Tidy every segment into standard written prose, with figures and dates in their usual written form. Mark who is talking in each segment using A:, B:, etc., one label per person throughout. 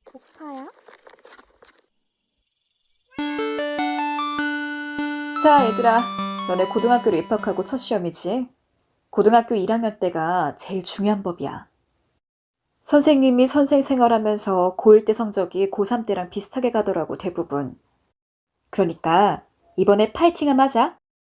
A: 오빠야?
B: 자, 얘들아. 너네 고등학교로 입학하고 첫 시험이지? 고등학교 1학년 때가 제일 중요한 법이야. 선생님이 선생 생활하면서 고1 때 성적이 고3 때랑 비슷하게 가더라고, 대부분. 그러니까 이번에 파이팅하면 하자.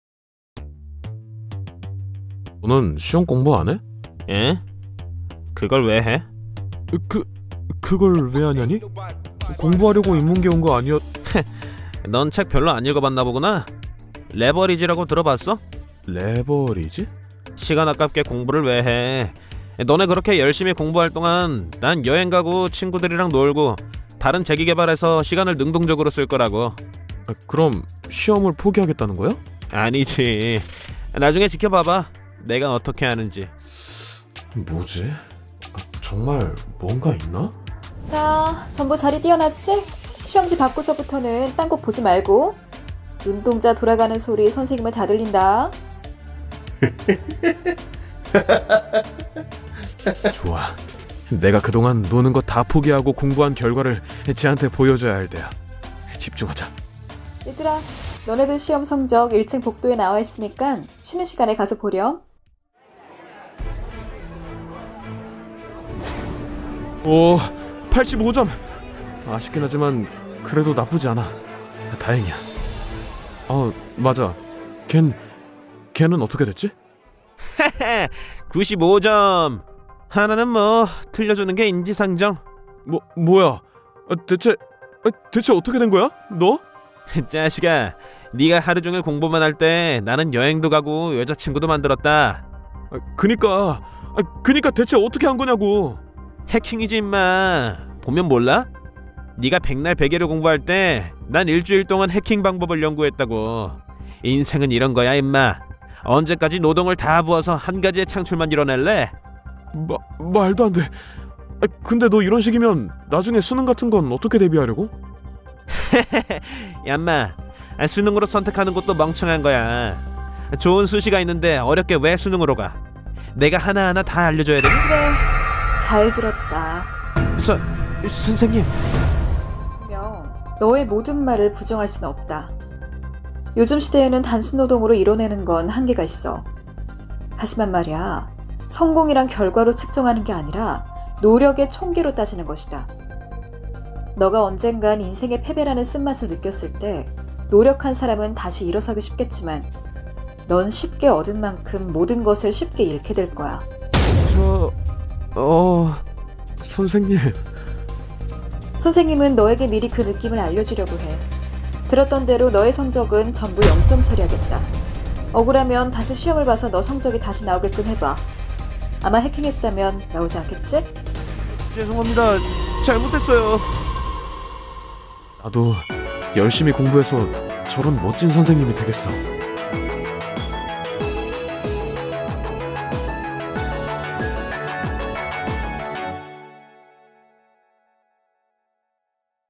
C: 너는 시험 공부 안 해?
D: 에? 그걸 왜 해?
C: 그걸 왜 하냐니? 공부하려고 인문계 온 거 아니었...
D: 넌 책 별로 안 읽어봤나 보구나. 레버리지라고 들어봤어?
C: 레버리지?
D: 시간 아깝게 공부를 왜 해? 너네 그렇게 열심히 공부할 동안 난 여행 가고 친구들이랑 놀고 다른 재기 개발해서 시간을 능동적으로 쓸 거라고.
C: 그럼 시험을 포기하겠다는 거야?
D: 아니지. 나중에 지켜봐봐. 내가 어떻게 하는지.
C: 뭐지? 정말 뭔가 있나?
B: 자, 전부 자리 띄워놨지? 시험지 받고서부터는 딴 곳 보지 말고. 눈동자 돌아가는 소리 선생님은 다 들린다.
C: 좋아. 내가 그동안 노는 거 다 포기하고 공부한 결과를 쟤한테 보여줘야 할 때야. 집중하자.
B: 얘들아, 너네들 시험 성적 1층 복도에 나와 있으니까 쉬는 시간에 가서 보렴.
C: 오, 85점. 아쉽긴 하지만 그래도 나쁘지 않아. 다행이야. 맞아. 걔는 어떻게 됐지?
D: 95점. 하나는 뭐 틀려주는 게 인지상정.
C: 뭐야? 대체 어떻게 된 거야? 너?
D: 자식아, 네가 하루 종일 공부만 할 때 나는 여행도 가고 여자친구도 만들었다.
C: 그니까 대체 어떻게 한 거냐고.
D: 해킹이지 임마. 보면 몰라? 네가 백날 베개를 공부할 때 난 일주일 동안 해킹 방법을 연구했다고. 인생은 이런 거야 임마. 언제까지 노동을 다 부어서 한 가지의 창출만 이뤄낼래?
C: 말도 안 돼. 근데 너 이런 식이면 나중에 수능 같은 건 어떻게 대비하려고?
D: 얌마, 수능으로 선택하는 것도 멍청한 거야. 좋은 수시가 있는데 어렵게 왜 수능으로 가? 내가 하나하나 다 알려줘야 돼.
B: 그래, 잘 들었다.
D: 선생님.
B: 분명 너의 모든 말을 부정할 수는 없다. 요즘 시대에는 단순 노동으로 이뤄내는 건 한계가 있어. 하지만 말이야, 성공이란 결과로 측정하는 게 아니라 노력의 총계로 따지는 것이다. 너가 언젠간 인생의 패배라는 쓴맛을 느꼈을 때 노력한 사람은 다시 일어서기 쉽겠지만 넌 쉽게 얻은 만큼 모든 것을 쉽게 잃게 될 거야.
C: 선생님.
B: 선생님은 너에게 미리 그 느낌을 알려주려고 해. 들었던 대로 너의 성적은 전부 0점 처리하겠다. 억울하면 다시 시험을 봐서 너 성적이 다시 나오게끔 해봐. 아마 해킹했다면 나오지 않겠지?
D: 죄송합니다. 잘못했어요.
C: 나도 열심히 공부해서 저런 멋진 선생님이 되겠어.